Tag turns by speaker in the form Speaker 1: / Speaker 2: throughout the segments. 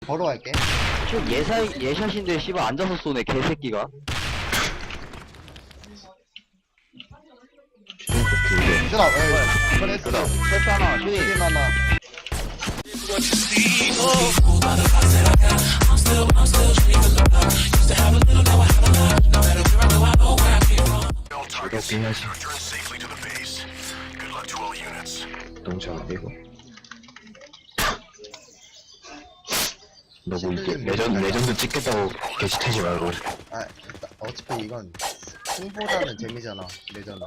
Speaker 1: 걸어갈게.
Speaker 2: 지금 예샷인데 씨발 앉아서 쏘네 개새끼가.
Speaker 1: 쓰나, 그래, 쓰나.
Speaker 2: 패스 하나 슈팅.
Speaker 1: 힐 하나.
Speaker 3: 이렇게 해야지. 너무 잘안 되고. 너뭐 이렇게 레전드 찍겠다고 게시 타지 말고.
Speaker 1: 아, 어차피 이건 승보다는 재미잖아, 레전드.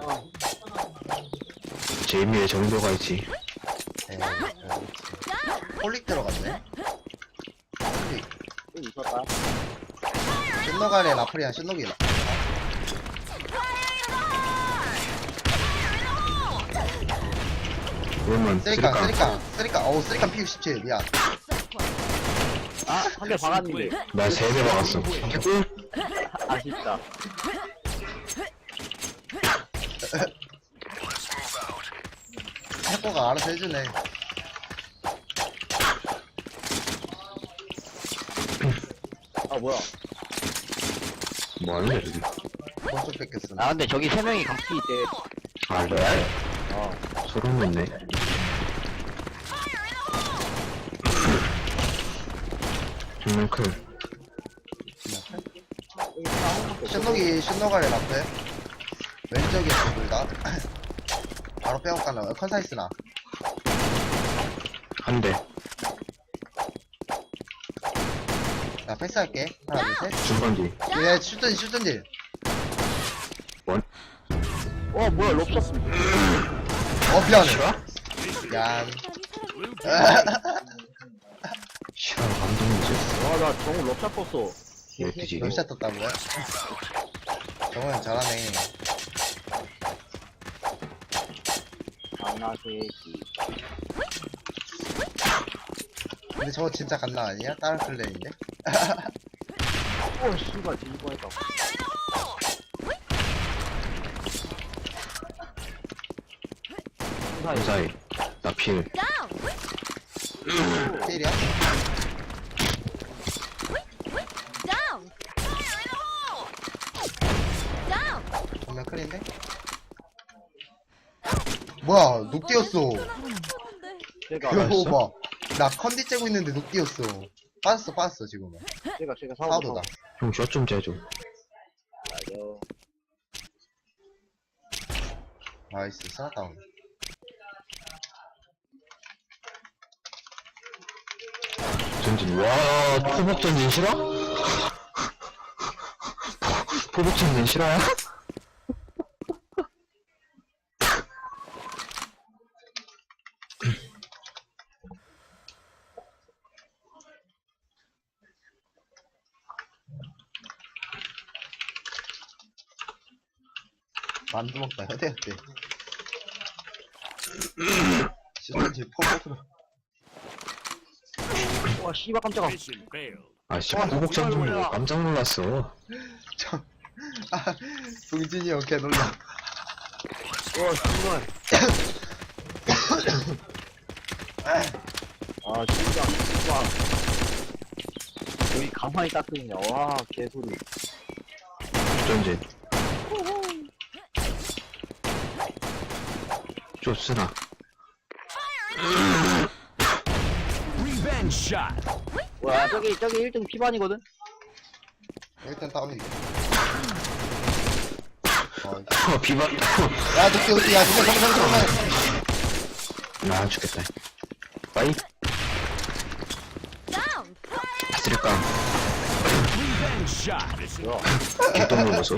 Speaker 3: 재미의 정도가 있지.
Speaker 1: 에이, 홀릭 들어갔네. 홀릭.
Speaker 2: 있었다.
Speaker 1: 슛노간에 라프리안 슛노기.
Speaker 3: 그러면
Speaker 1: 쓰리깡. 어우, 쓰리깡 P67. 미안.
Speaker 2: 아, 한 대 박았는데.
Speaker 3: 나 3대 박았어.
Speaker 2: 아쉽다.
Speaker 1: 학교가 알아서 해주네.
Speaker 2: 아, 뭐야.
Speaker 3: 뭐 하는 거야, 저기?
Speaker 1: 먼저 뺏겼어.
Speaker 2: 아, 근데 저기 3명이 각기 있대.
Speaker 3: 아, 레알? 소름 돋네. 정말 클.
Speaker 1: 슛노간에 라프에. 왼쪽이야, 둘 다. 바로 빼고 가나. 컨사이스나.
Speaker 3: 한 대.
Speaker 1: 자, 패스할게. 하나, 둘, 셋.
Speaker 3: 중간 뒤.
Speaker 1: 얘 슛던질.
Speaker 3: 원.
Speaker 2: 뭐야, 롭샷.
Speaker 1: 미안해.
Speaker 3: 싫어?
Speaker 1: 미안.
Speaker 3: 싫어, 감동이지.
Speaker 2: 와, 나 정우 롭샷 떴어.
Speaker 3: 왜 뜨지?
Speaker 1: 럽샷 떴다고요? 정우형 잘하네.
Speaker 2: 강나새끼.
Speaker 1: 근데 저거 진짜 갓나 아니야? 다른 클랜인데?
Speaker 2: 씨발, 뒤질 뻔했다.
Speaker 3: 그 사이. 나 필.
Speaker 1: 필이야? 정면 클인데? 뭐야, 녹 뛰었어.
Speaker 2: 제가,
Speaker 1: 이거 봐. 나 컨디 째고 있는데 녹 뛰었어. 빠졌어, 지금은.
Speaker 2: 제가
Speaker 1: 사우도다.
Speaker 3: 형, 샷 좀 재줘.
Speaker 1: 나이스, 스나다운.
Speaker 3: 전진. 와, 포복 전진 싫어? 포복 전진 싫어요?
Speaker 1: 만두 먹다, 해야 돼. 슈던지 포복으로.
Speaker 2: 와, 씨발, 깜짝아.
Speaker 3: 아, 씨, 포복 전진 보고 깜짝 놀랐어.
Speaker 1: 동진이 형 개놀라.
Speaker 2: 와, 씨발. 아, 진짜. 여기 가만히 딱 있냐. 와, 개소리.
Speaker 3: 전진. 좋으나.
Speaker 2: 와, 저기 1등 피반이거든?
Speaker 1: 일단 다운이게.
Speaker 3: 비반.
Speaker 1: 야, 녹디, 야, 잠깐만.
Speaker 3: 나 죽겠다. 빠이. 아스리깡. 개똥 먹어서.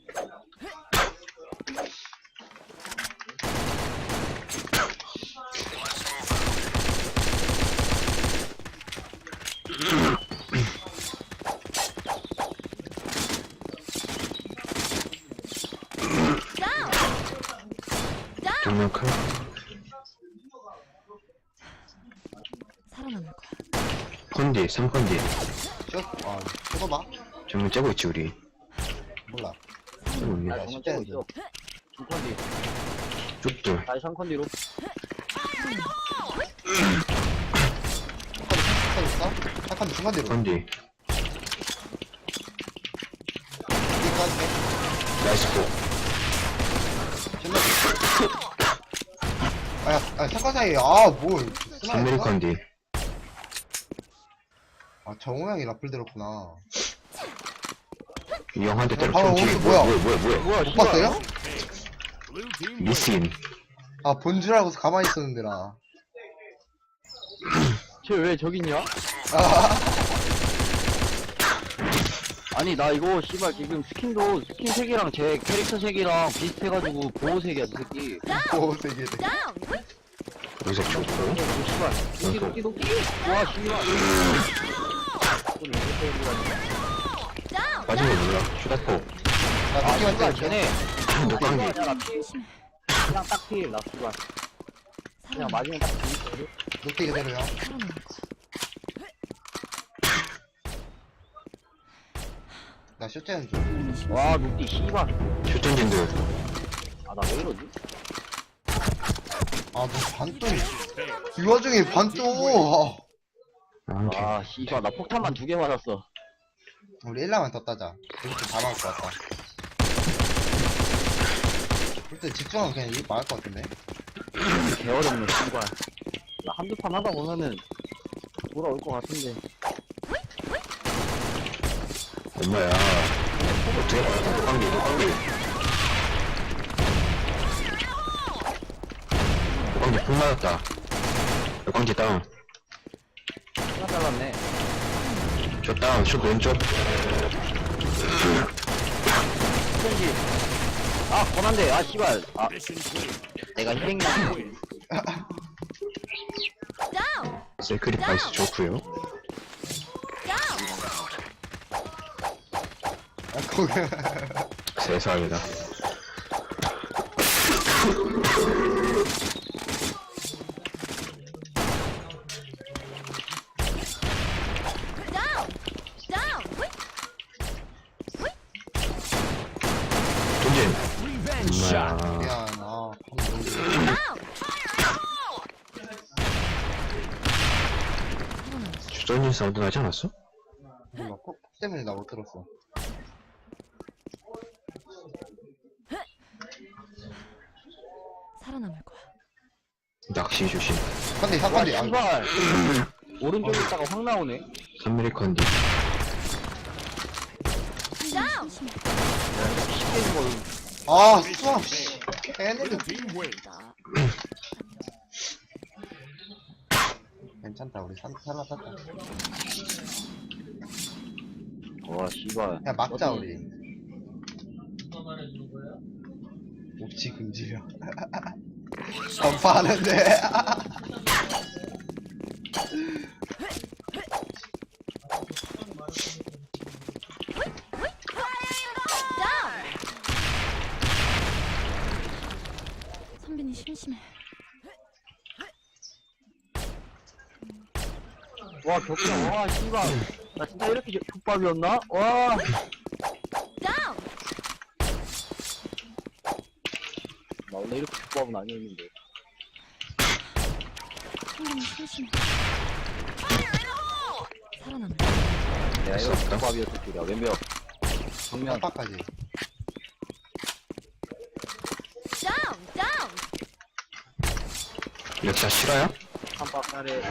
Speaker 3: 정면 클.
Speaker 4: 살아남을 거야.
Speaker 3: 컨디, 3컨디.
Speaker 1: 슛? 쳐봐.
Speaker 3: 정면 째고 있지, 우리.
Speaker 1: 몰라.
Speaker 3: 째고 있네.
Speaker 2: 아, 정말 째고 있어. 2컨디.
Speaker 3: 쭉들.
Speaker 2: 다시 3컨디로.
Speaker 1: 컷 있어? 컷 샷건 중간대로.
Speaker 3: 컨디.
Speaker 1: 여기까지.
Speaker 3: 나이스 포.
Speaker 1: 신나게. 샷건 사이에, 아, 뭘.
Speaker 3: 3mm 컨디.
Speaker 1: 아, 정우 형이 라플 들었구나.
Speaker 3: 이 형한테
Speaker 1: 방금
Speaker 3: 때려쳤지.
Speaker 1: 오른쪽 뭐야?
Speaker 2: 뭐야,
Speaker 1: 못 봤어요?
Speaker 3: 미스인.
Speaker 1: 아, 본 줄 알고서 가만히 있었는데, 나.
Speaker 2: 쟤 왜 저기 있냐?
Speaker 1: 아,
Speaker 2: 아니, 나 이거, 씨발, 지금 스킨도, 스킨 색이랑 제 캐릭터 색이랑 비슷해가지고, 보호색이야, 이 새끼.
Speaker 1: 오, 세게.
Speaker 3: 여기서 좋고.
Speaker 2: 씨발. 도끼. 와, 씨발.
Speaker 3: 빠진 거 몰라. 슈다포.
Speaker 1: 나
Speaker 2: 아,
Speaker 1: 느낌만
Speaker 2: 씨발,
Speaker 1: 때
Speaker 2: 쟤네.
Speaker 3: 녹방기.
Speaker 2: 그냥 딱 필, 나 씨발. 그냥 맞으면 딱 필.
Speaker 1: 녹대 그대로요. 나 쇼트는 좀.
Speaker 2: 와, 녹디, 씨발.
Speaker 3: 슈전진들.
Speaker 2: 아, 나 왜 이러지?
Speaker 1: 아, 너 반똥. 이 와중에 반똥.
Speaker 3: 아,
Speaker 2: 아, 씨발, 나 폭탄만 2개 맞았어.
Speaker 1: 우리 1라만 더 따자. 이렇게 다 막을 것 같다. 일단 집중하면 그냥 이거 막을 것 같은데.
Speaker 2: 개어렵네, 씨발. 나 한두 판 하다 보면은, 돌아올 것 같은데.
Speaker 3: 엄마야. 어떻게 봐. 녹방기. 녹방기 폭 맞았다. 녹방기 다운.
Speaker 2: 하나 잘랐네.
Speaker 3: 저 다운. 슛 왼쪽.
Speaker 2: 스펀지. 아, 권한데. 아, 씨발. 아, 내가 희생이야.
Speaker 3: 세크리파이스 좋구요.
Speaker 1: 아, 거기.
Speaker 3: 세상이다. 전진. 엄마야.
Speaker 1: 미안, 아, 방금
Speaker 3: 주전진 사운드 나지 않았어?
Speaker 1: 몰라. 콕 때문에 나 못 들었어.
Speaker 4: 살아남을 거야.
Speaker 3: 낚시 조심.
Speaker 1: 근데
Speaker 2: 와,
Speaker 1: 샷건이 안
Speaker 2: 씨발. 오른쪽에 있다가 확 나오네.
Speaker 3: 3mm 컨디.
Speaker 2: 쉽게 죽어.
Speaker 1: 아, 수학, 씨. 걔네들. 괜찮다, 우리 살아났다.
Speaker 2: 와, 씨발.
Speaker 1: 야, 막자, 우리. 옵지 금지려. 전파하는데.
Speaker 4: 선빈이 심심해.
Speaker 2: 와, 격자. 와, 씨발. 나 진짜 이렇게 족밥이었나? 와. 나 원래 이렇게 족밥은 아니었는데.
Speaker 4: 선빈이 심심해. 살아남을
Speaker 2: 내가 이렇게 족밥이었을 줄이야. 왼벽. 정면.
Speaker 1: 깜빡까지.
Speaker 3: 역사 실화야?
Speaker 2: 한박 아래.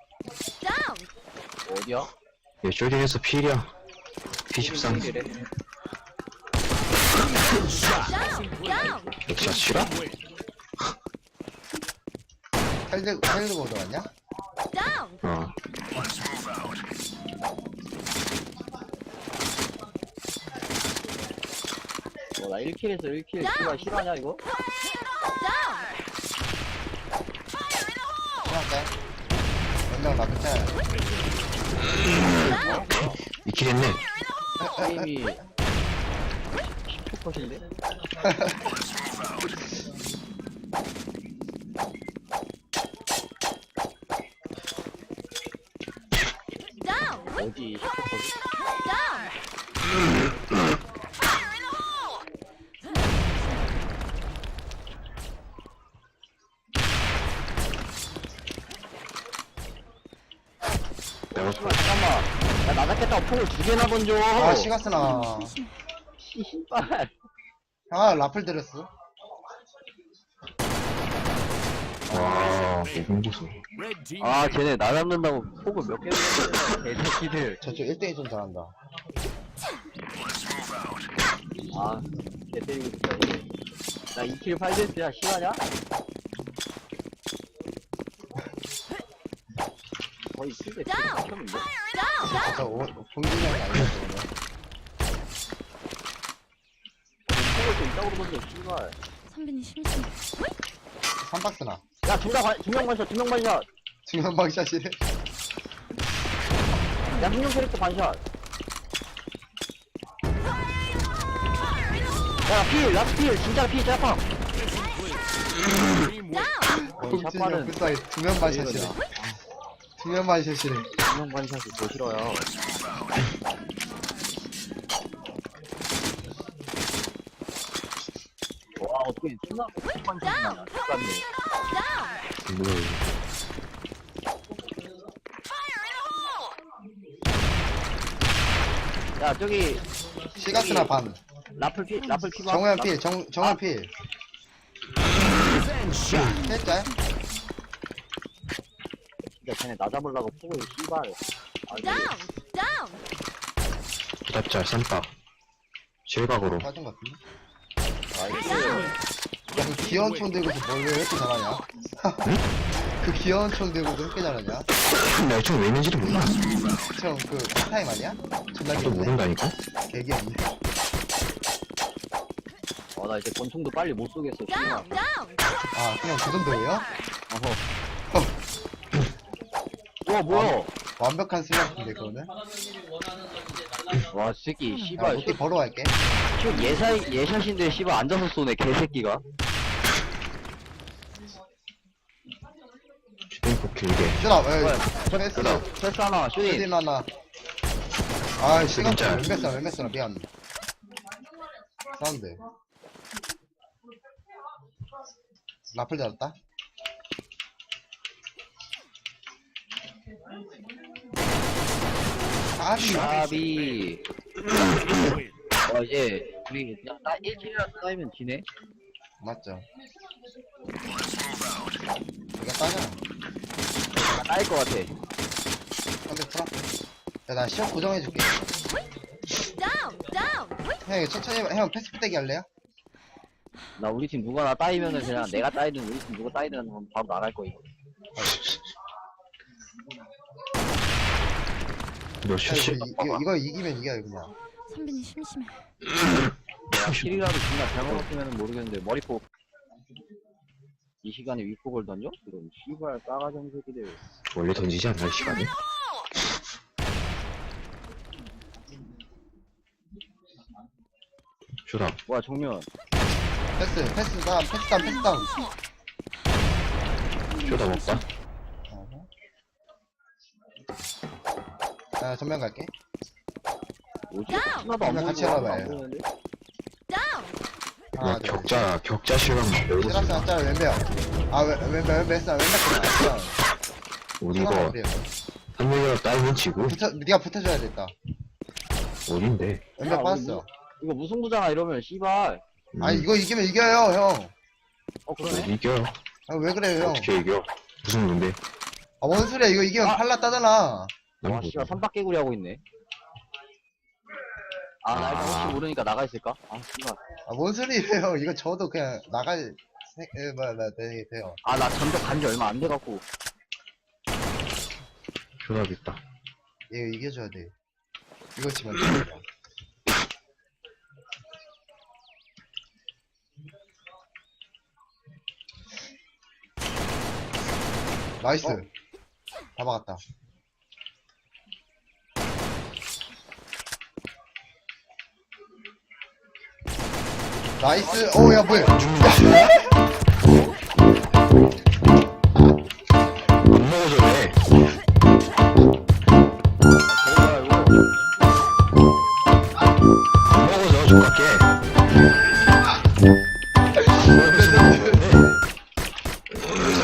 Speaker 2: 어디야?
Speaker 3: 얘 쇼딩에서 필이야. P13.
Speaker 2: 이래.
Speaker 3: 역사 실화?
Speaker 1: 헬드 보드 왔냐?
Speaker 3: 어.
Speaker 2: 나 1킬에서 1킬. 씨발, 실화냐, 이거?
Speaker 1: 끝났대. 연장 나 끝에.
Speaker 3: 2킬 했네.
Speaker 2: 게임이 10%인데? 어디 10%지?
Speaker 3: 내가
Speaker 2: 잠깐만. 야, 나 잡겠다고 폭을 2개나 던져.
Speaker 1: 아 시가스나.
Speaker 2: 씨발.
Speaker 1: 아 라플 들었어.
Speaker 3: 와, 홍보수.
Speaker 2: 아, 쟤네 나 잡는다고 폭을 몇 개를 던져. 개새끼들.
Speaker 1: 저쪽 1대1 좀 잘한다.
Speaker 2: 아, 개 때리고 싶다, 이제. 나 2킬 8데스야, 실화냐? 거의 7대 켰는데?
Speaker 1: 저 봉준이 형이 아니었어 오늘.
Speaker 2: 폭을 또 이따구로 던져, 씨발.
Speaker 4: 선배님 심심해.
Speaker 1: 3박스나.
Speaker 2: 야, 두명 반샷, 2명 반샷.
Speaker 1: 중간 방샷이래.
Speaker 2: 야, 흥룡 캐릭터 반샷. 야, 라스 필, 진짜 필, 짜팡.
Speaker 1: 봉준이 형
Speaker 2: 샷발은
Speaker 1: 불쌍해. 2명 반샷이래. 2명 반샷이래.
Speaker 2: 2명 반샷이 더 싫어요. 와, 어떻게 존나 반샷이 나냐, 똑같네.
Speaker 3: 뭐야,
Speaker 2: 야, 저기,
Speaker 1: 시가스나 반.
Speaker 2: 라플 피 봐.
Speaker 1: 정우현 필. 정우현 필. 셋째.
Speaker 2: 진짜 쟤네 나 잡으려고 폭을 씨발. 아, 이게
Speaker 3: 부답잘 쌈박. 실각으로.
Speaker 1: 빠진 것 같은데.
Speaker 2: 나이스.
Speaker 1: 야, 그 귀여운 총 들고서 뭘 왜 이렇게 잘하냐? 그 귀여운 총 들고서 왜 이렇게 잘하냐?
Speaker 3: 나 총 왜 있는지도 몰라.
Speaker 1: 형, 그, 타임 아니야? 존나
Speaker 3: 또
Speaker 1: 귀엽네.
Speaker 3: 모른다니까?
Speaker 1: 개귀엽네.
Speaker 2: 나 이제 권총도 빨리 못 쏘겠어, 씨발.
Speaker 1: 아, 그냥 그 정도예요?
Speaker 2: 어허. 와, 뭐야?
Speaker 1: 완벽한 슬래프인데, 그거는?
Speaker 2: 와, 새끼,
Speaker 1: 야,
Speaker 2: 씨발.
Speaker 1: 로티 벌어 갈게.
Speaker 2: 슛 예샷인데, 씨발, 앉아서 쏘네, 개새끼가.
Speaker 3: 슈팅폭 길게.
Speaker 1: 슈다,
Speaker 2: 뭐야,
Speaker 1: 패스.
Speaker 2: 패스 하나, 슈팅.
Speaker 1: 슈딘 하나. 아, 시간
Speaker 3: 진짜.
Speaker 1: 왼뱃으나, 미안. 사운드. 라플 잡았다. 아비.
Speaker 2: 샤비. 이제, 우리, 그냥 1킬이라도 따이면 지네?
Speaker 1: 맞죠. 이거 따잖아.
Speaker 2: 따일 것 같아.
Speaker 1: 근데 풀어. 야, 나 시험 고정해줄게. 형, 이거 천천히 해봐. 형, 패스 푸대기 할래요?
Speaker 2: 나 우리 팀 누가 나 따이면은 그냥 내가 따이든 우리 팀 누가 따이든 하면 바로 나갈 거임.
Speaker 3: 너
Speaker 1: 야,
Speaker 3: 슛이.
Speaker 1: 이거 이기면 이겨요, 그냥.
Speaker 4: 선배님 심심해.
Speaker 2: 내가 킬이라도 존나 잘못 먹으면 모르겠는데 머리폭 이 시간에 윗폭을 던져? 이런 씨발 싸가지 없는 새끼들.
Speaker 3: 원래 던지지 않나, 이 시간에? 쇼다.
Speaker 2: 뭐야 정면.
Speaker 1: 패스 다운.
Speaker 3: 쇼다 먹다.
Speaker 1: 아, 전면 갈게.
Speaker 2: 뭐지? 하나도 안
Speaker 1: 그냥 같이
Speaker 2: 보이고
Speaker 1: 해봐봐요.
Speaker 2: 안 보이는데?
Speaker 1: 하나,
Speaker 3: 야,
Speaker 1: 둘.
Speaker 3: 격자 실각 먹고.
Speaker 1: 시라스 한 짤, 왼배야. 아, 왼배 쓰나.
Speaker 3: 우리 이거, 한 명이라 따이면 지고.
Speaker 1: 니가 붙어줘야 겠다.
Speaker 3: 어딘데?
Speaker 1: 왼배
Speaker 2: 야,
Speaker 1: 빠졌어.
Speaker 2: 이거 무승부잖아 이러면 씨발.
Speaker 1: 아니, 이거 이기면 이겨요, 형.
Speaker 2: 그러네?
Speaker 3: 이겨.
Speaker 1: 아, 왜 그래요, 형?
Speaker 3: 어떻게 이겨? 무슨 문제?
Speaker 1: 아, 뭔 소리야. 이거 이기면 팔라 따잖아.
Speaker 2: 와 씨발 삼박개구리 하고 있네. 나 이거 혹시 모르니까 나가 있을까? 아 씨발.
Speaker 1: 아, 뭔 소리예요. 이거 저도 그냥 나갈, 돼요.
Speaker 2: 나 전적 간지 얼마 안 돼갖고.
Speaker 3: 쇼다 있다.
Speaker 1: 이거 이겨줘야 돼. 이거 지면 안 돼. 나이스. 다 막았다. 나이스. 오, 야, 뭐야.
Speaker 3: 안 먹어줘, 왜?
Speaker 2: 뭐야 이거?
Speaker 3: 안 먹어줘, 족같게.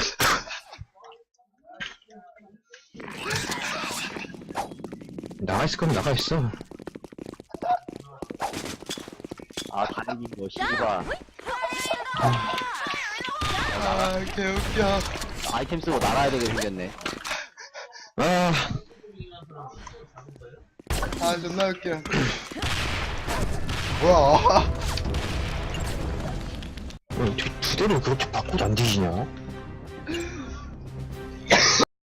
Speaker 3: 나가 있어. 마스크는 나가 있어.
Speaker 2: 아, 다행히 뭐, 씨발.
Speaker 1: 아, 개웃겨.
Speaker 2: 아이템 쓰고 날아야 되게 생겼네.
Speaker 3: 아,
Speaker 1: 아, 존나 웃겨. 뭐야.
Speaker 3: 두 대를 그렇게 바꾸도 안 뒤지냐?